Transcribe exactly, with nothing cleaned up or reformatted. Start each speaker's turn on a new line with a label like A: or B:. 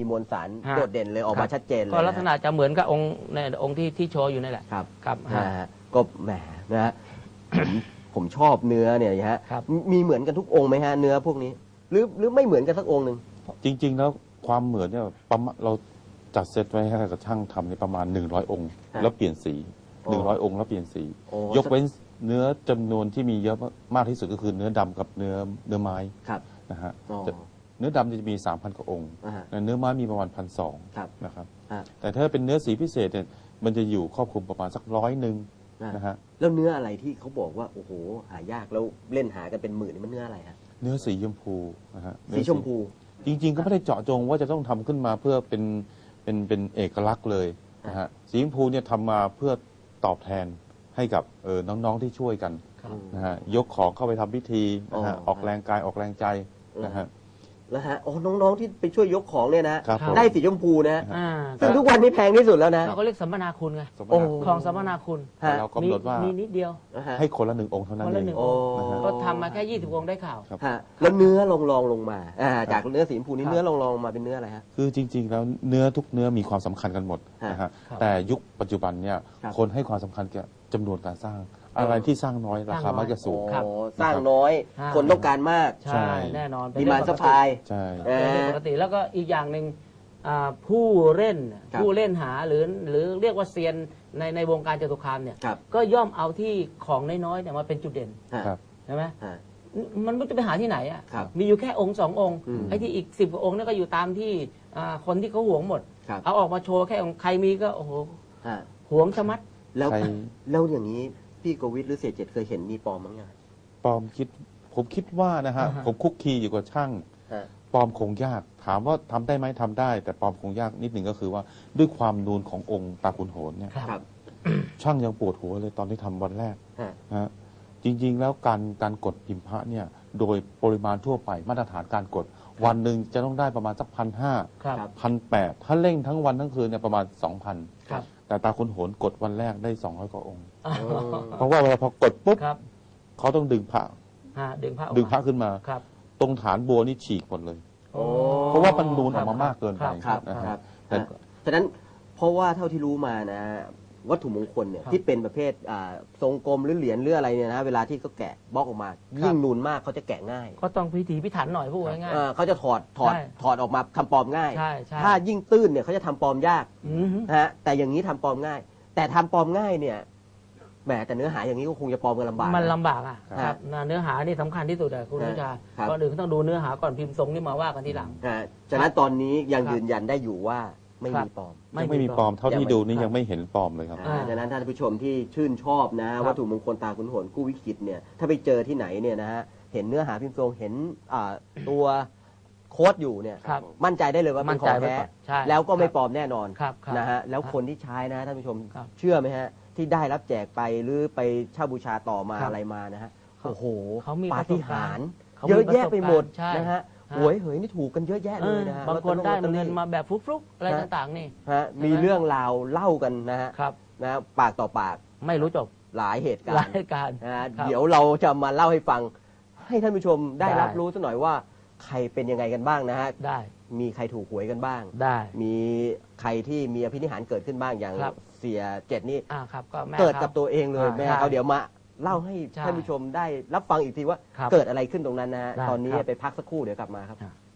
A: มวลสารโดดเด่นเลยออกมาชัดเจนเลย
B: ก็ลักษณะจะเหมือนกับองค์ในองค์ที่ที่โชว์อยู่นี่แหละ
A: ครับ
B: ครับ
A: นะฮะก็แหมนะฮะผมผมชอบเนื้อเนี่ยฮะมีเหมือนกันทุกองค์ไหมฮะเนื้อพวกนี้หรือหรือไม่เหมือนกันสักองค์หนึ่ง
C: จริง ๆ แล้วความเหมือนเนี่ยประมาณเราจัดเซตไว้ให้กับช่างทำในประมาณหนึ่งร้อยองค์แล้วเปลี่ยนสีหนึ่งร้อยองค์แล้วเปลี่ยนสียกเว้นเนื้อจำนวนที่มีเยอะมากที่สุดก็คือเนื้อดำกับเนื้อเนื้อไม้นะฮะเนื้อดำจะมีสามพันกว่าองค์เนื้อไม้มีประมาณพันสองนะครับแต่ถ้าเป็นเนื้อสีพิเศษเนี่ยมันจะอยู่ครอบคลุมประมาณสักร้อยหนึ่งนะฮะ
A: แล้วเนื้ออะไรที่เขาบอกว่าโอ้โหหายากแล้วเล่นหากันเป็นหมื่นนี่มันเนื้ออะไรฮะ
C: เนื้อสีชมพูนะฮะ
A: สีชมพู
C: จริงๆก็ไม่ได้เจาะจงว่าจะต้องทำขึ้นมาเพื่อเป็นเป็นเป็นเอกลักษณ์เลยนะฮะสีชมพูเนี่ยทำมาเพื่อตอบแทนให้กับเออน้องๆที่ช่วยกันนะฮะยกของเข้าไปทำพิธีนะฮะออกแรงกายออกแรงใจนะฮะ
A: แล้วฮะโอ้น้องๆที่ไปช่วยยกของเนี่ยนะได้สีชมพูนะซึ่งทุกวันนี้แพงที่สุดแล้วนะ
B: เขาเรียกสัมมนาคุณไงของสัมมนาคุณ
C: เรากำหนดว่า
B: มีนิดเดียว
C: ให้คนละหนึ่งองค์เท่านั้นเอง
B: ก็ทำมาแค่ยี่สิบองค์ได้ข่าว
A: แล้วเนื้อลองลองลงมาจากเนื้อสีชมพูนี้เนื้อลองลองมาเป็นเนื้ออะไรฮะ
C: คือจริงๆแล้วเนื้อทุกเนื้อมีความสำคัญกันหมดนะฮะแต่ยุคปัจจุบันเนี่ยคนให้ความสำคัญกับจำนวนการสร้างอะไรที่สร้างน้อยราคามักจะสูง
A: สร้างน้อยคนต้องการมาก
B: ใช่แน่นอน
A: ดีมานด์ซัพพลาย
C: ใช่
B: เป็นปกติแล้วก็อีกอย่างหนึ่งผู้เล่นผู้เล่นหาหรือหรือเรียกว่าเซียนในในวงการจตุคามเนี่ยก็ย่อมเอาที่ของน้อยๆเนี่ยมาเป็นจุดเด่นใช่ไหมมันไม่จะไปหาที่ไหนอ่ะมีอยู่แค่องค์สององค์ไอ้ที่อีกสิบกว่าองค์นี่ก็อยู่ตามที่คนที่เขาหวงหมดเอาออกมาโชว์แค่องค์ใครมีก็โอ้โหหวงชะมัด
A: แล้วแล้วอย่างนี้พี่โกวิทหรือเสียเจ็ดเคยเห็นมีปลอมมั้งยัง
C: ปลอมคิดผมคิดว่านะฮะผมคุกคีอยู่กับช่างปลอมคงยากถามว่าทำได้ไหมทำได้แต่ปลอมคงยากนิดหนึ่งก็คือว่าด้วยความนูนขององค์ตาขุนโหนเนี่ยช่างยังปวดหัวเลยตอนที่ทำวันแรกนะจริงๆแล้วการการกดพิมพ์พระเนี่ยโดยปริมาณทั่วไปมาตรฐานการกดวันหนึ่งจะต้องได้ประมาณสักพันห้าพันแปดถ้าเร่งทั้งวันทั้งคืนเนี่ยประมาณสองพันแต่ตาขุนโหนกดวันแรกได้สองร้อยกว่าองค์เพราะว่าเวลาพอกดปุ๊บเขาต้องดึงพระ
B: ดึงพระ
C: ดึงพระขึ้นมาตรงฐานบัวนี่ฉีกหมดเลยเพราะว่ามันนูนออกมามากเกินไป
A: นะครับฉะนั้นเพราะว่าเท่าที่รู้มานะวัตถุมงคลเนี่ยที่เป็นประเภททรงกลมหรือเหรียญหรืออะไรเนี่ยนะเวลาที่เขาแกะบล็อกออกมายิ่งนูนมากเขาจะแกะง่าย
B: ก็ต้องพิถีพิถันหน่อยพูดง่าย
A: ๆเขาจะถอดถอดถอดออกมาทำปลอมง่ายถ้ายิ่งตื้นเนี่ยเขาจะทำปลอมยากนะฮะแต่อย่างนี้ทำปลอมง่ายแต่ทำปลอมง่ายเนี่ยแหมแต่เนื้อหาอย่างนี้ก็คงจะปลอมกันลำบาก
B: มันลำบากอ่ะครับเนื้อหานี่สำคัญที่สุดอะคุณวิชาก่อนอื่นต้องดูเนื้อหาก่อนพิมพ์ทรงนี่มาว่ากันทีหลัง
A: ฉะนั้นตอนนี้ยังยืนยันได้อยู่ว่าไม่มีปลอม
C: ไม่มีปลอมเท่าที่ดูนี่ยังไม่เห็นปลอมเลยครับ
A: ฉะนั้นท่านผู้ชมที่ชื่นชอบนะวัตถุมงคลตาขุนโหนกู้วิกฤตเนี่ยถ้าไปเจอที่ไหนเนี่ยนะฮะเห็นเนื้อหาพิมพ์ทรงเห็นตัวโค้ดอยู่เนี่ยมั่นใจได้เลยว่าเป็นของแท้แล้วก็ไม่ปลอมแน่นอนนะฮะแล้วคนที่ใช้นะท่านผู้ชมเชื่อไหมฮะที่ได้รับแจกไปหรือไปเช่าบูชาต่อมาอะไรมานะฮะโอ้โหปาฏิหาริย์เยอะแยะไปหมดนะฮะหวยเหยนี่ถูกกันเยอะแยะเลยนะฮะ
B: บางคนได้เงินมาแบบฟลุกๆอะไรต่างๆนี่
A: ฮะมีเรื่องราวเล่ากันนะฮะนะปากต่อปาก
B: ไม่รู้จบ
A: หลายเหตุการณ์
B: หลายเหตุการณ์
A: นะเดี๋ยวเราจะมาเล่าให้ฟังให้ท่านผู้ชมได้รับรู้สักหน่อยว่าใครเป็นยังไงกันบ้างนะฮะ
B: ได้
A: มีใครถูกหวยกันบ้าง
B: ได้
A: มีใครที่มีอภินิหารเกิดขึ้นบ้างอย่างเสียเจ็ดนี่
B: เ
A: กิดกับตัวเองเลยแม่เขาเดี๋ยวมาเล่าให้ท่านผู้ชมได้รับฟังอีกทีว่าเกิดอะไรขึ้นตรงนั้นนะฮะตอนนี้ไปพักสักครู่เดี๋ยวกลับมาครับ